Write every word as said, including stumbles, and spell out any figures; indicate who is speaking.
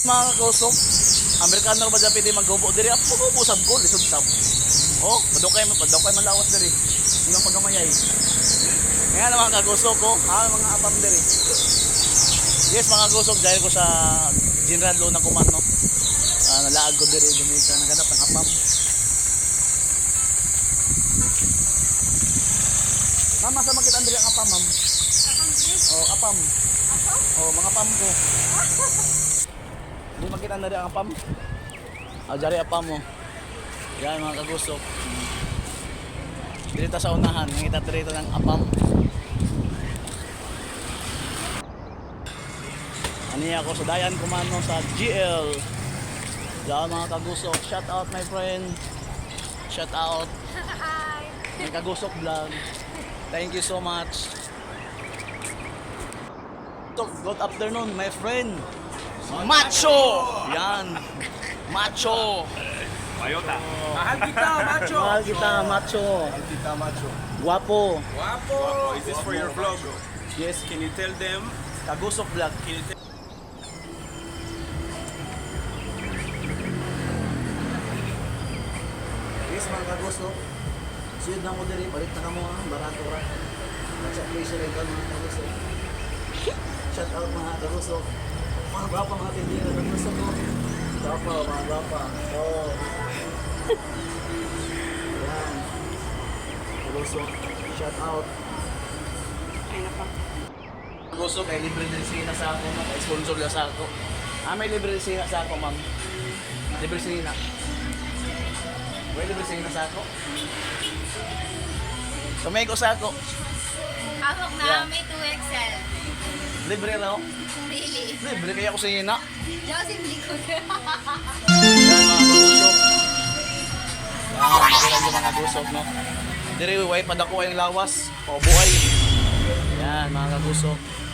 Speaker 1: Mga kagusok, Amerikano ba dyan pwede mag-gubo diri? Ako mag-gubo sab ko, lisod sab. Oh, madukay mo, madukay malawas diri. Hindi lang pagamayay. Kaya na mga kagusok ko, ah, mga apam diri. Yes, mga kagusok, dahil ko sa General Luna Kuman, no? Uh, nalaag ko diri, gumita, naganap ng apam. Mama, sa makita diri ang apam, ma'am?
Speaker 2: Apam diri?
Speaker 1: Oh, apam.
Speaker 2: Apam?
Speaker 1: Oh, mga apam ko. Hindi makita na rin ang apam. Ah, dyan apam mo. Yan mga kagusok. Dito sa unahan, nakita dito ng apam. Ani ako sa Dayan Kumano sa G L. Diyan mga kagusok. Shout out my friend. Shout out.
Speaker 2: Hi!
Speaker 1: May kagusok vlog. Thank you so much. Good afternoon my friend. Macho! Yan. Macho.
Speaker 3: Mayota. Mahal kita, macho.
Speaker 1: Mahal kita, macho.
Speaker 3: Mahal kita, macho.
Speaker 1: Guwapo.
Speaker 3: Guapo. Is this for your vlog?
Speaker 1: Yes,
Speaker 3: Can you tell them?
Speaker 1: kagusok vlog.
Speaker 3: Can you tell
Speaker 1: Yes, mga kagusok. Siyod na mo diri, balik na ka mo ha. Barato ra. At sa place rin ka mga kagusok. Shout out mga kagusok. Mga gwapa mga tindira ng gusto ko. Gwapa, mga gwapa. Oh. Yan. Kagusok. Shout out. Kagusok ay libre din sina sa ako. Sponsor lang sa ako. Ah, may libre din sina sa ako, ma'am. Libre sina. May libre sina sa ako. Tumay ko sa ako.
Speaker 2: Hawak na
Speaker 1: Yeah.
Speaker 2: may two X L.
Speaker 1: Libre raw.
Speaker 2: Really?
Speaker 1: Libre kaya ako sa ina.
Speaker 2: Diyos, hindi ko na.
Speaker 1: Yan mga kagusok. Yan, makilang yung mga gusok, no? Diri, way padako ang lawas. O buhay. Yan, mga kagusok.